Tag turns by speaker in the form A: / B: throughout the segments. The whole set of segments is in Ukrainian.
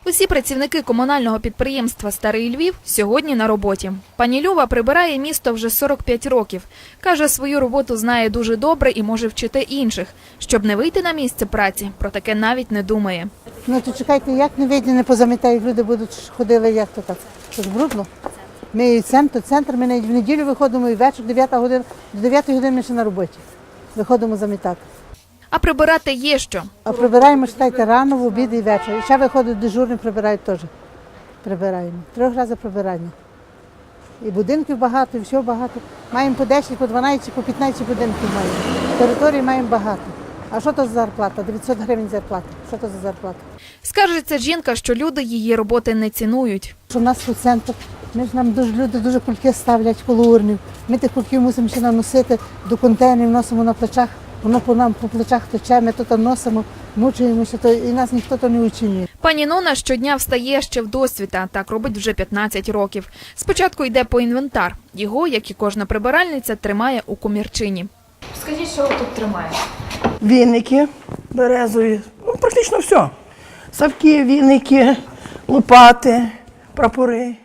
A: Усі працівники комунального підприємства «Старий Львів» сьогодні на роботі. Пані Люба прибирає місто вже 45 років. Каже, свою роботу знає дуже добре і може вчити інших. Щоб не вийти на місце праці, про таке навіть не думає.
B: Ну то чекайте, як не вийде, не позамітають, люди будуть ходили, як то так. Це ж брудно. Ми і центр, ми навіть в неділю виходимо і вечір, 9 година, до 9 години ми ще на роботі. Виходимо замітати.
A: А прибирати є що.
B: А прибираємо, читайте, рано, в обід і вечір. І ще виходить дежурний, прибирають теж. Прибираємо. 3 рази прибирання. І будинків багато, і всього багато. Маємо по 10, по 12, по 15 будинків маємо. Території маємо багато. А що то за зарплата? 900 гривень зарплата. Що то за зарплата?
A: Скаржиться жінка, що люди її роботи не цінують.
B: Що в нас тут центр, люди дуже кульки ставлять коло урнів. Ми тих кульків мусимо ще наносити до контейнерів, носимо на плечах. Воно по нам по плечах тече, ми тут носимо, мучуємося, і нас ніхто то не оцінює.
A: Пані Нона щодня встає ще в досвіта, так робить вже 15 років. Спочатку йде по інвентар. Його, як і кожна прибиральниця, тримає у комірчині. Скажіть, що ви тут тримаєте?
C: Віники березові, практично все. Савки, віники, лопати, прапори.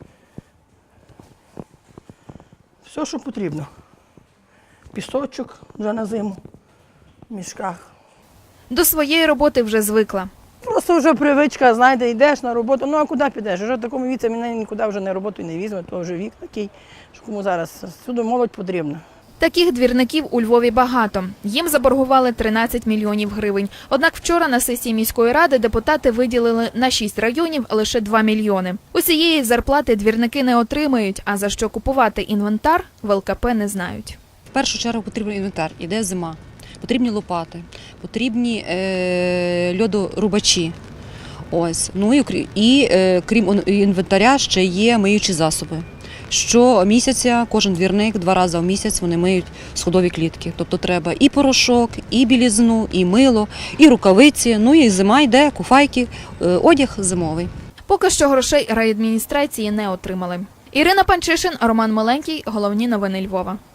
C: Все, що потрібно. Пісочок вже на зиму в мішках.
A: До своєї роботи вже звикла.
C: Просто вже привичка, знаєте, йдеш на роботу, ну а куди підеш? Вже в такому віці мене нікуди вже на роботу не візьме, то вже вік такий, що кому зараз всюди молодь потрібна.
A: Таких двірників у Львові багато. Їм заборгували 13 мільйонів гривень. Однак вчора на сесії міської ради депутати виділили на 6 районів лише 2 мільйони. Усієї зарплати двірники не отримають, а за що купувати інвентар в ЛКП не знають.
D: В першу чергу потрібен інвентар, іде зима, потрібні лопати, потрібні льодорубачі. Ось. Ну і крім інвентаря ще є миючі засоби. Щомісяця кожен двірник 2 рази в місяць вони миють сходові клітки. Тобто треба і порошок, і білізну, і мило, і рукавиці, ну і зима йде, куфайки, одяг зимовий.
A: Поки що грошей райадміністрації не отримали. Ірина Панчишин, Роман Миленький. Головні новини Львова.